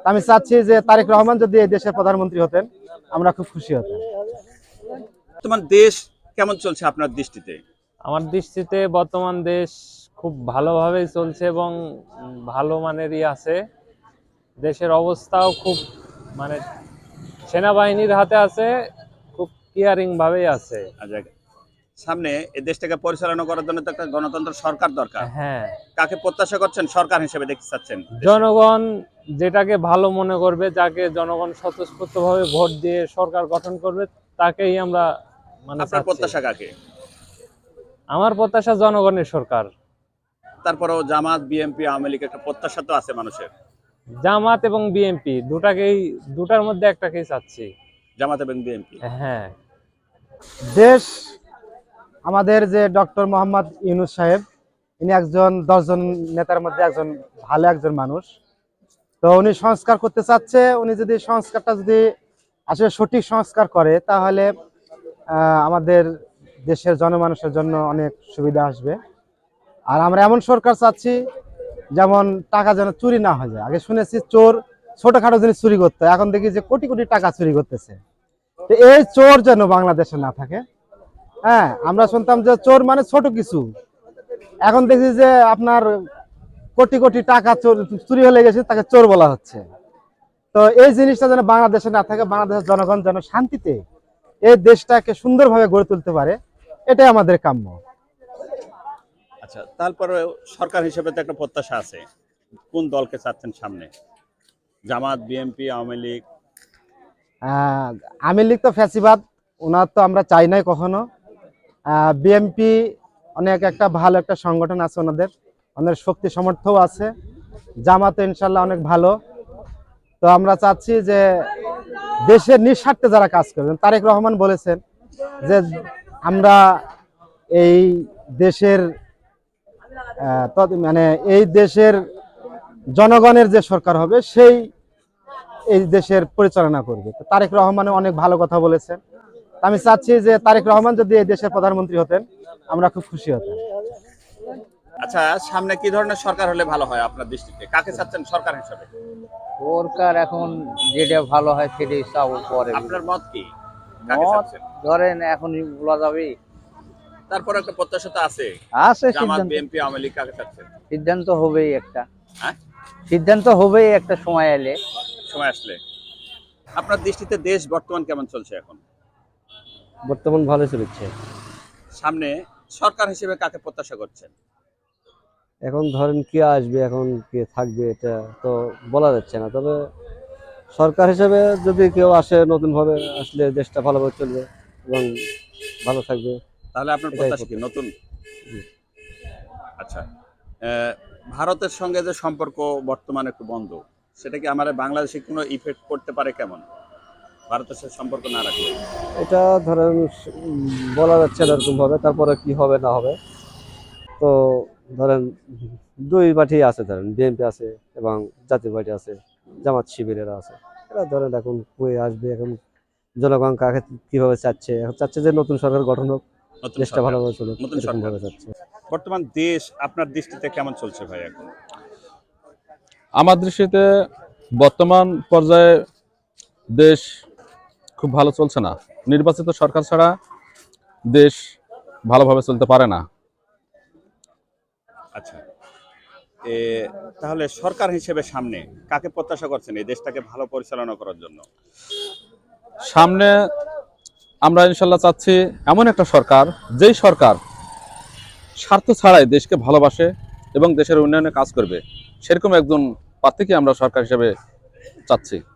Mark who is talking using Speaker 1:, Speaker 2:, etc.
Speaker 1: আমি চাচ্ছি যে তারেক রহমান যদি এই দেশের প্রধানমন্ত্রী হতেন আমরা খুব খুশি হতাম।
Speaker 2: বর্তমান দেশ কেমন চলছে আপনার দৃষ্টিতে?
Speaker 3: আমার দৃষ্টিতে বর্তমান দেশ খুব ভালোভাবেই চলছে এবং ভালো মানেরই আছে। দেশের অবস্থাও খুব মানে সেনাবাহিনীর হাতে আছে, খুব কেয়ারিং ভাবেই আছে।
Speaker 2: আচ্ছা, সামনে এই দেশটাকে পরিচালনা করার জন্য তো একটা গণতন্ত্র সরকার দরকার।
Speaker 3: হ্যাঁ,
Speaker 2: কাকে প্রত্যাশা করছেন সরকার হিসেবে দেখতে চাচ্ছেন?
Speaker 3: জনগণ যেটাকে ভালো মনে করবে, যাকে জনগণ স্বতঃস্ফূর্তভাবে ভোট দিয়ে সরকার গঠন করবে, তাকেই আমরা মানে
Speaker 2: আপনার
Speaker 3: চাচ্ছি।
Speaker 2: প্রত্যাশা কাকে?
Speaker 3: আমার প্রত্যাশা জনগণের সরকার।
Speaker 2: তারপরেও জামাত, বিএনপি, আওয়ামী লীগ একটা প্রত্যাশা তো আছে মানুষের।
Speaker 3: জামাত এবং বিএনপি দুটার মধ্যে একটাকেই চাচ্ছি।
Speaker 2: জামাত এবং বিএনপি।
Speaker 3: হ্যাঁ,
Speaker 1: দেশ আমাদের যে ডক্টর মোহাম্মদ ইউনূস সাহেব, ইনি একজন 10 জন নেতার মধ্যে একজন ভালো একজন মানুষ। তো উনি সংস্কার করতে চাচ্ছে। উনি যদি সংস্কারটা যদি আসলে সঠিক সংস্কার করে তাহলে আমাদের দেশের জনমানুষের জন্য অনেক সুবিধা আসবে। আর আমরা এমন সরকার চাচ্ছি যেমন টাকা যেন চুরি না হয়ে যায়। আগে শুনেছি চোর ছোটখাটো জিনিস চুরি করতে, এখন দেখি যে কোটি কোটি টাকা চুরি করতেছে। তো এই চোর যেন বাংলাদেশে না থাকে। হ্যাঁ, আমরা শুনতাম যে চোর মানে ছোট কিছু, এখন দেখি যে আপনার কোটি কোটি টাকা চুরি হয়ে গেছে, তাকে চোর বলা হচ্ছে। তো এই জিনিসটা যেন বাংলাদেশে না থাকে, বাংলাদেশের জনগণ যেন শান্তিতে এই দেশটাকে সুন্দরভাবে গড়ে তুলতে পারে, এটাই আমাদের কাম্য।
Speaker 2: আচ্ছা, তারপরে সরকার হিসেবে তো একটা প্রত্যাশা আছে। কোন দলকে চাচ্ছেন সামনে? জামাত, বিএনপি, আওয়ামী লীগ?
Speaker 1: আওয়ামী লীগ তো ফ্যাসিবাদ, ওনার তো আমরা চাই নাই কখনো। বিএনপি অনেক একটা ভালো একটা সংগঠন আছে, ওনাদের শক্তি সামর্থ্যও আছে। জামাত ইনশাল্লাহ অনেক ভালো। তো আমরা চাচ্ছি যে দেশের নিঃস্বার্থে যারা কাজ করবেন, তারেক রহমান বলেছেন যে আমরা এই দেশের মানে এই দেশের জনগণের যে সরকার হবে সেই এই দেশের পরিচালনা করবে। তো তারেক রহমান অনেক ভালো কথা বলেছেন। আমি চাচ্ছি যে তারেক রহমান যদি এই দেশের প্রধানমন্ত্রী হতেন আমরা খুব খুশি হতাম।
Speaker 2: আচ্ছা, সামনে কি ধরনের সরকার হলে ভালো হয় আপনার দৃষ্টিতে? কাকে চাচ্ছেন সরকার হিসেবে?
Speaker 4: সরকার এখন যেটা ভালো হয় সেটাই চাও পরে।
Speaker 2: আপনার মত কি? কাকে
Speaker 4: মত
Speaker 2: চাচ্ছেন?
Speaker 4: ধরেন এখনই বলা যাবে।
Speaker 2: তারপর একটা প্রত্যাশা তো আছে।
Speaker 4: আছে
Speaker 2: জামাত,
Speaker 4: সিদ্ধান্ত,
Speaker 2: বিএনপি, আওয়ামী লীগ কাকে চাচ্ছেন?
Speaker 4: সিদ্ধান্ত হবেই একটা,
Speaker 2: হ্যাঁ,
Speaker 4: সিদ্ধান্ত হবেই একটা সময় এলে।
Speaker 2: সময় আসলে। আপনার দৃষ্টিতে দেশ বর্তমান কেমন চলছে এখন?
Speaker 5: বর্তমান ভালো চলছে।
Speaker 2: সামনে সরকার হিসেবে কাকে প্রত্যাশা করছেন?
Speaker 5: এখন ধরেন কে আসবে, এখন কে থাকবে এটা তো বলা যাচ্ছে না। তবে সরকার হিসেবে যদি কেউ আসে নতুন ভাবে, আসলে দেশটা ভালোভাবে চলবে এবং ভালো থাকবে।
Speaker 2: তাহলে আপনার
Speaker 5: এটাই
Speaker 2: প্রত্যাশা কি নতুন?
Speaker 5: জি।
Speaker 2: আচ্ছা, ভারতের সঙ্গে যে সম্পর্ক বর্তমানে একটু বন্ধ, সেটা কি আমাদের বাংলাদেশে কোনো ইফেক্ট করতে পারে? কেমন ভারতের সাথে সম্পর্ক না রাখলে?
Speaker 5: এটা ধরেন বলা যাচ্ছে না এরকম ভাবে, তারপরে কি হবে না হবে। তো ধরেন দুই পার্টি আছে, ধরেন বিএনপি আছে এবং জাতীয় পার্টি আছে, জামাত শিবিরেরা আছে। এরা ধরেন এখন কই আসবে, এখন জনগণ কাকে কিভাবে চাচ্ছে, এখন চাচ্ছে যে নতুন সরকার গঠন হোক,
Speaker 2: নতুন
Speaker 5: দেশটা
Speaker 2: সরকার,
Speaker 5: ভালোভাবে চলুক,
Speaker 2: নতুন
Speaker 5: এরকম
Speaker 2: সরকার।
Speaker 5: ভাবে চাচ্ছে।
Speaker 2: বর্তমান দেশ আপনার দৃষ্টিতে কেমন চলছে ভাই এখন?
Speaker 6: আমার দৃষ্টিতে বর্তমান পর্যায়ে দেশ খুব ভালো চলছে না। নির্বাচিত সরকার ছাড়া দেশ ভালোভাবে চলতে পারে না।
Speaker 2: আচ্ছা, তাহলে সরকার হিসেবে সামনে কাকে প্রত্যাশা করছেন এই দেশটাকে ভালো পরিচালনা করার জন্য?
Speaker 6: সামনে আমরা ইনশাল্লাহ চাচ্ছি এমন একটা সরকার, যেই সরকার স্বার্থ ছাড়াই দেশকে ভালোবাসে এবং দেশের উন্নয়নে কাজ করবে, সেরকম একজন প্রার্থীকে আমরা সরকার হিসেবে চাচ্ছি।